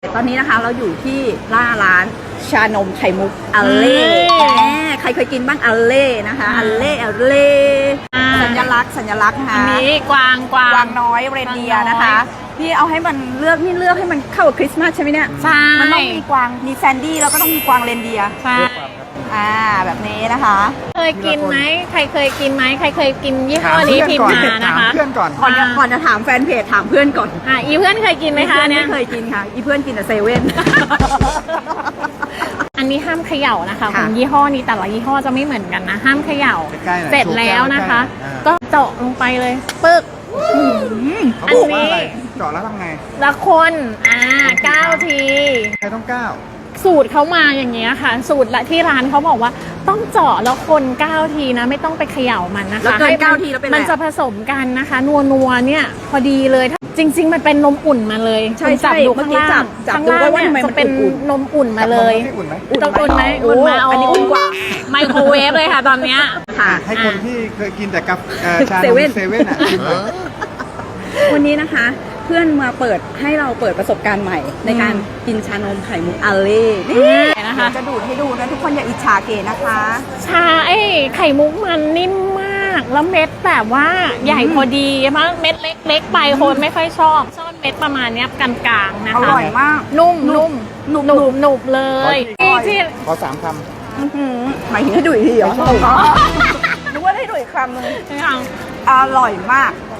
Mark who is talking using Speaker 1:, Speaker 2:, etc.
Speaker 1: ตอนนี้นะคะเราอยู่ที่ร้านชานมไข่มุกอัลเล่ใครเคยกินบ้างอัลเล่นะคะอัลเล่สัญลักษณ์นะคะ
Speaker 2: อันนี้กวาง
Speaker 1: น้อยเรนเดียร์นะคะพี่เอาให้มันเลือกให้มันเข้ากับคริสต์มาสใช่ไหมเนี่ย
Speaker 2: ใช่
Speaker 1: มันต้องมีกวางมีแซนดี้แล้วก็ต้องมีกวางเรนเดียร์
Speaker 2: ใช่
Speaker 1: แบบนี้นะคะ
Speaker 2: เคยกินไหมใครเคยกินไหมใครเคยกินยี่ห้อนี้พิมพ์มานะคะ
Speaker 3: เพื่อนก่อน
Speaker 1: ก่อนจะถามแฟนเพจถามเพื่อนก่อน
Speaker 2: อีเพื่อนเคยกินไหมคะเนี่ย
Speaker 1: ไม่เคยกินค่ะอีเพื่อนกินแต่เซเว่น
Speaker 2: อันนี้ห้ามเขย่านะคะ
Speaker 1: ค่ะ
Speaker 2: ของยี่ห้อนี้แต่ละยี่ห้อจะไม่เหมือนกันนะห้ามเขย่า
Speaker 3: ใกล้ๆหน่อย
Speaker 2: เสร็จแล้วนะคะ
Speaker 3: ใกล้ๆ
Speaker 2: ก็เจาะลงไปเลยปึ๊ก
Speaker 3: เขาบอกว่าอะไรเจาะแล้วทำไง
Speaker 2: ละคน9 ที
Speaker 3: ใครต้องก้าว
Speaker 2: สูตรเขามาอย่างเงี้ยค่ะ สูตรละที่ร้านเขาบอกว่าต้องเจาะแล้วคน9 ทีนะไม่ต้องไปเขย่ามันนะคะ
Speaker 1: แล้วเกิน
Speaker 2: ให้มั
Speaker 1: 9 ทีแล้วเป็นไร
Speaker 2: มันจะผสมกันนะคะ นัวเนี่ยพอดีเลยจริง ๆ มันเป็นนมอุ่นมาเลย
Speaker 1: ใช่
Speaker 2: คุณจับ
Speaker 1: ใช่
Speaker 2: ดู
Speaker 1: เมื่อ
Speaker 2: ข้าง
Speaker 1: กี้
Speaker 2: ล่าง
Speaker 1: จับ
Speaker 2: ข้าง
Speaker 1: ดู
Speaker 2: ล่าง
Speaker 1: ว่า
Speaker 2: เนี่ย
Speaker 1: ทำไมมัน
Speaker 2: จะเป็น
Speaker 1: อุ่น
Speaker 2: นมอุ่นมาเลย
Speaker 3: ให้อุ่นไหม
Speaker 2: ต้องอุ่นไหม
Speaker 1: โอ้
Speaker 2: อุ่นมา
Speaker 1: อันนี้อุ่นกว่า
Speaker 2: ไมโครเวฟเลยค่ะตอนเนี้ย
Speaker 1: ค่ะ
Speaker 3: ให้คนที่เคยกินแต่กับชา
Speaker 1: เซ
Speaker 3: นม
Speaker 1: เว่น
Speaker 3: เซเว่นอ่ะกินหน่อย
Speaker 1: วันนี้นะคะ เพื่อนมาเปิดให้เราเปิดประสบการณ์ใหม่ ในการกินชานมไข่มุกอัลเล่นี่
Speaker 2: นะคะ
Speaker 1: จะดูดให้ดูนะทุกคนอย่าอิจฉาเก๋นะคะ
Speaker 2: ชาไข่มุกมันนิ่มมากแล้วเม็ดแบบว่าใหญ่พอดีมากเม็ดเล็กๆไปคนไม่ค่อยชอบเม็ดประมาณเนี้ยกลางๆนะ
Speaker 1: อ
Speaker 2: คะ
Speaker 1: ร่อยมาก
Speaker 2: นุ่ม
Speaker 1: หนุบ
Speaker 2: หนุบเลย
Speaker 1: อร่อย
Speaker 2: ที่
Speaker 3: ขอ3 ค
Speaker 1: อื้อหือหมายถึงให้ดูอีกทีเหรอ
Speaker 3: ไม่ใช่
Speaker 1: นึกว่าให้ดูอีกคำหนึง
Speaker 2: ที่
Speaker 1: อร่อยมาก